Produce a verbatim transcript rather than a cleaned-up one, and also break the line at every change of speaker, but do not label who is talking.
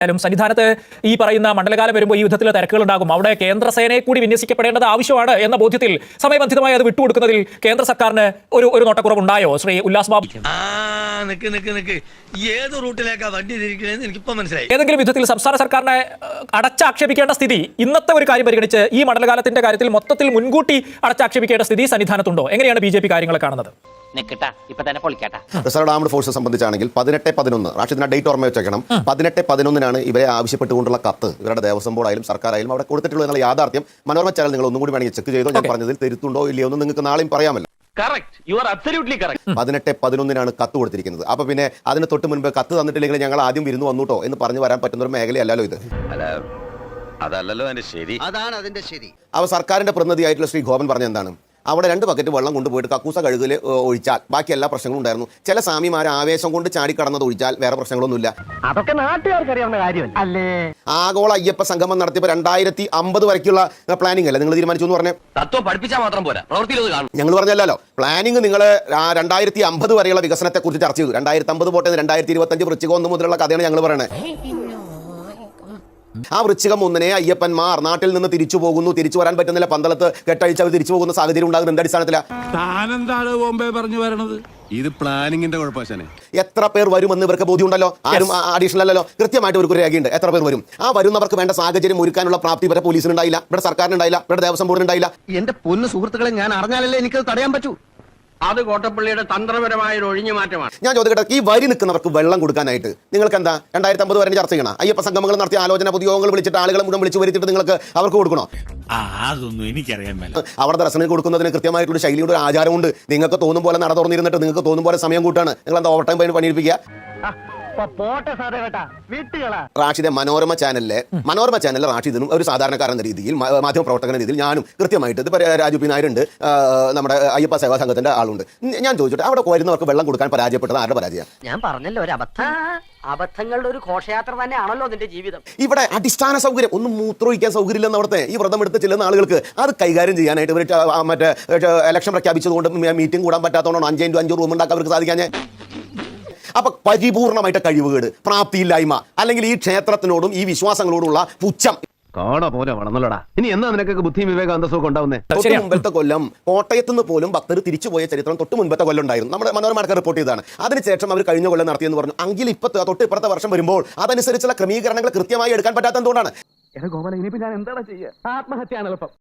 ും സന്നിധാനത്ത് ഈ പറയുന്ന മണ്ഡലകാലം വരുമ്പോൾ ഈ യുദ്ധത്തിൽ തിരക്കുകൾ ഉണ്ടാകും. അവിടെ കേന്ദ്രസേനയെ കൂടി വിന്യസിക്കപ്പെടേണ്ടത് ആവശ്യമാണ് എന്ന ബോധ്യത്തിൽ സമയബന്ധിതമായി അത് വിട്ടുകൊടുക്കുന്നതിൽ കേന്ദ്ര സർക്കാരിന് ഒരു ഒരു നോട്ടക്കുറവുണ്ടായോ? ശ്രീ ഉല്ലാസ് ബാബു,
ഏത് റൂട്ടിലേക്കാ വണ്ടി തിരിക്കണേന്ന് എനിക്കിപ്പോ മനസ്സിലായി.
ഏതെങ്കിലും വിധത്തിൽ സംസ്ഥാന സർക്കാരിനെ അടച്ചാക്ഷേപിക്കേണ്ട സ്ഥിതി ഇന്നത്തെ ഒരു കാര്യം പരിഗണിച്ച് ഈ മണ്ഡലകാലത്തിന്റെ കാര്യത്തിൽ മൊത്തത്തിൽ മുൻകൂട്ടി അടച്ചാക്ഷേപിക്കേണ്ട സ്ഥിതി സന്നിധാനത്തുണ്ടോ? എങ്ങനെയാണ് ബി ജെ പി കാര്യങ്ങൾ കാണുന്നത്?
റിസർവ് ആംഡ് ഫോഴ്സ് സംബന്ധിച്ചാണെങ്കിൽ പതിനെട്ട് പതിനൊന്ന് റാഷിദിന്റെ ഡേറ്റ് ഓർമ്മ വെച്ചേക്കണം. പതിനെട്ട് പതിനൊന്നിനാണ് ഇവരെ ആവശ്യപ്പെട്ടുകൊണ്ടുള്ള കത്ത് ഇവരുടെ ദേവസ്വം ബോർഡായാലും സർക്കാരായാലും അവിടെ കൊടുത്തിട്ടുള്ള എന്നുള്ള യാഥാർത്ഥ്യം മനോരമ ചാനൽ നിങ്ങൾ ഒന്നും കൂടി വേണമെങ്കിൽ ചെക്ക് ചെയ്തോ. ഞാൻ പറഞ്ഞതിൽ തിരുത്തുണ്ടോ ഇല്ലയോ എന്ന് നിങ്ങൾക്ക് നാളെയും പറയാമല്ലോ. പതിനെട്ട് പതിനൊന്നിനാണ് കത്ത് കൊടുത്തിരിക്കുന്നത്. അപ്പൊ പിന്നെ അതിന് തൊട്ട് മുൻപ് കത്ത് തന്നിട്ടില്ലെങ്കിൽ ഞങ്ങൾ ആദ്യം വിരുന്ന് വന്നുട്ടോ എന്ന് പറഞ്ഞു വരാൻ പറ്റുന്ന ഒരു മേഖലയല്ലല്ലോ ഇത്.
അതല്ലല്ലോ അതിന്റെ ശരി. അതാണ് അതിന്റെ ശരി.
അവ സർക്കാരിന്റെ പ്രതിനിധിയായിട്ടുള്ള ശ്രീ ഗോപൻ പറഞ്ഞ എന്താണ്, അവിടെ രണ്ട് ബക്കറ്റ് വെള്ളം കൊണ്ടുപോയിട്ട് കക്കൂസ കഴുകിൽ ഒഴിച്ചാൽ ബാക്കി എല്ലാ പ്രശ്നങ്ങളും ഉണ്ടായിരുന്നു. ചില സ്വാമിമാരെ ആവേശം കൊണ്ട് ചാടിക്കടന്നത് ഒഴിച്ചാൽ വേറെ പ്രശ്നങ്ങളൊന്നുമില്ല.
അതൊക്കെ നാട്ടുകാർക്ക് അറിയാവുന്ന കാര്യമല്ലേ.
ആഗോള അയ്യപ്പ സംഗമം നടത്തിയപ്പോൾ രണ്ടായിരത്തി അമ്പത് വരയ്ക്കുള്ള പ്ലാനിംഗ് അല്ലേ നിങ്ങൾ തീരുമാനിച്ചു എന്ന് പറഞ്ഞേ?
തത്വം പഠിപ്പിച്ചാൽ മാത്രം പോരാ,
ഞങ്ങൾ പറഞ്ഞല്ലോ പ്ലാനിംഗ്. നിങ്ങൾ രണ്ടായിരത്തി അമ്പത് വരെയുള്ള വികസനത്തെ കുറിച്ച് ചർച്ച ചെയ്തു. രണ്ടായിരത്തി അമ്പത് പോട്ടെ, രണ്ടായിരത്തി ഇരുപത്തി അഞ്ച് വൃശ്ചികം ഒന്ന് മുതലുള്ള കഥയാണ് ഞങ്ങൾ പറയണത്. ആ വൃശ്ചികം ഒന്നിനെ അയ്യപ്പന്മാർ നാട്ടിൽ നിന്ന് തിരിച്ചു പോകുന്നു, തിരിച്ചു വരാൻ പറ്റുന്നില്ല, പന്തളത്ത് കെട്ടഴിച്ച് അവർ തിരിച്ചു പോകുന്ന സാഹചര്യം ഉണ്ടാകുന്നത് എന്ത് അടിസ്ഥാനത്തിലാണ്?
ഇത് പ്ലാനിങ്ങിന്റെ കുഴപ്പമാണ്.
എത്ര പേർ വരുമെന്ന് ഇവർക്ക് ബോധ്യമുണ്ടല്ലോ. ആരും അഡീഷണൽ അല്ലല്ലോ, കൃത്യമായിട്ട് ഇവർക്ക് ഒരു രേഖയുണ്ട് എത്ര പേർ വരും. ആ വരുന്നവർക്ക് വേണ്ട സാഹചര്യം ഒരുക്കാനുള്ള പ്രാപ്തി ഇവരെ പോലീസിനുണ്ടായില്ല, ഇവിടെ സർക്കാരിനുണ്ടായില്ല, ഇവിടെ ദേവസ്വം ബോർഡിനുണ്ടായില്ല.
എന്റെ പൊന്നു സുഹൃത്തുക്കളെ, ഞാൻ അറിഞ്ഞാലല്ലേ എനിക്കത് തടയാൻ പറ്റൂ.
അത് കോട്ടപ്പള്ളിയുടെ തന്ത്രപരമായ ഒരു ഒഴിഞ്ഞു മാറ്റമാണ്.
ഞാൻ ചോദിക്കട്ടെ, ഈ വരി നിൽക്കുന്നവർക്ക് വെള്ളം കൊടുക്കാനായിട്ട് നിങ്ങൾക്ക് എന്താ രണ്ടായിരത്തി അമ്പത് വരെ ചർച്ച ചെയ്യണം? അയ്യപ്പ സംഗമങ്ങൾ നടത്തിയ ആലോചന പൊതുയോഗങ്ങൾ വിളിച്ചിട്ട് ആളുകളെ മുഴുവൻ വിളിച്ചു വരുത്തിയിട്ട് നിങ്ങൾക്ക് അവർക്ക് കൊടുക്കണോ?
അതൊന്നും എനിക്കറിയാൻ മേല.
അവിടെ ദർശനം കൊടുക്കുന്നതിന് കൃത്യമായിട്ടുള്ള ശൈലിയുടെ ഒരു ആചാരമുണ്ട്. നിങ്ങൾക്ക് തോന്നും പോലെ നട തുറന്നിരുന്നിട്ട് നിങ്ങൾക്ക് തോന്നും പോലെ സമയം കൂട്ടാണ്. നിങ്ങൾ എന്താ ഓവർ ടൈം പണി പണിയിരിപ്പിക്കുക? റാഷിദെ, മനോരമ ചാനലിലെ മനോരമ ചാനലിലെ റാഷിദിനും ഒരു സാധാരണക്കാരൻ എന്ന രീതിയിൽ, മാധ്യമ പ്രവർത്തകൻ രീതിയിൽ ഞാനും കൃത്യമായിട്ട് ഇത് രാജു പി നായരുണ്ട്, നമ്മുടെ അയ്യപ്പ സേവാ സംഘത്തിന്റെ ആളുണ്ട്. ഞാൻ ചോദിച്ചിട്ട് അവിടെ വരുന്നവർക്ക് വെള്ളം കൊടുക്കാൻ പരാജയപ്പെട്ടത് ആരുടെ പരാജയം?
ഞാൻ പറഞ്ഞല്ലോ, ഒരു അബദ്ധം. അബദ്ധങ്ങളുടെ ഒരു ഘോഷയാത്ര തന്നെയാണല്ലോ നിന്റെ ജീവിതം.
ഇവിടെ അടിസ്ഥാന സൗകര്യം ഒന്നും മൂത്രമൊഴിക്കാൻ സൗകര്യമില്ലെന്ന് അവിടുത്തെ ഈ വ്രതം എടുത്ത് ചെല്ലുന്ന ആളുകൾക്ക് അത് കൈകാര്യം ചെയ്യാനായിട്ട് ഇവർ മറ്റേ ഇലക്ഷൻ പ്രഖ്യാപിച്ചതുകൊണ്ട് മീറ്റിംഗ് കൂടാൻ പറ്റാത്തതുകൊണ്ടാണ് അഞ്ച് ഇൻറ്റു അഞ്ച് റൂം ഉണ്ടാക്കാൻ അവർക്ക് സാധിക്കാഞ്ഞേ. അപ്പൊ പരിപൂർണമായിട്ട് കഴിവുകേട്, പ്രാപ്തിയില്ലായ്മ, അല്ലെങ്കിൽ ഈ ക്ഷേത്രത്തിനോടും ഈ വിശ്വാസങ്ങളോടുള്ള പുച്ഛം
കാണാ പോലെ വളർന്നല്ലോടാ. ഇനി എന്നാ നിനക്കൊക്കെ ബുദ്ധിയും വിവേകം അന്തസ്സൊക്കെ ഉണ്ടാവുന്നേ?
തൊട്ട് മുമ്പത്തെ കൊല്ലം കോട്ടയത്ത് നിന്ന് പോലും ഭക്തർ തിരിച്ചുപോയ ചരിത്രം തൊട്ട് മുൻപത്തെ കൊല്ലം ഉണ്ടായിരുന്നു. നമ്മുടെ മനോരമ റിപ്പോർട്ട് ചെയ്തതാണ്. അതിനുശേഷം അവർ കഴിഞ്ഞ കൊല്ലം നടത്തിയെന്ന് പറഞ്ഞു. എങ്കിൽ ഇപ്പത്തെ തൊട്ട് ഇപ്പുറത്തെ വർഷം വരുമ്പോൾ അതനുസരിച്ചുള്ള ക്രമീകരണങ്ങൾ കൃത്യമായി എടുക്കാൻ പറ്റാത്ത എന്തുകൊണ്ടാണ്?
ഗോപാല, ഇനിയിപ്പോ ഞാൻ എന്താണ് ചെയ്യുക? ആത്മഹത്യ എളുപ്പം.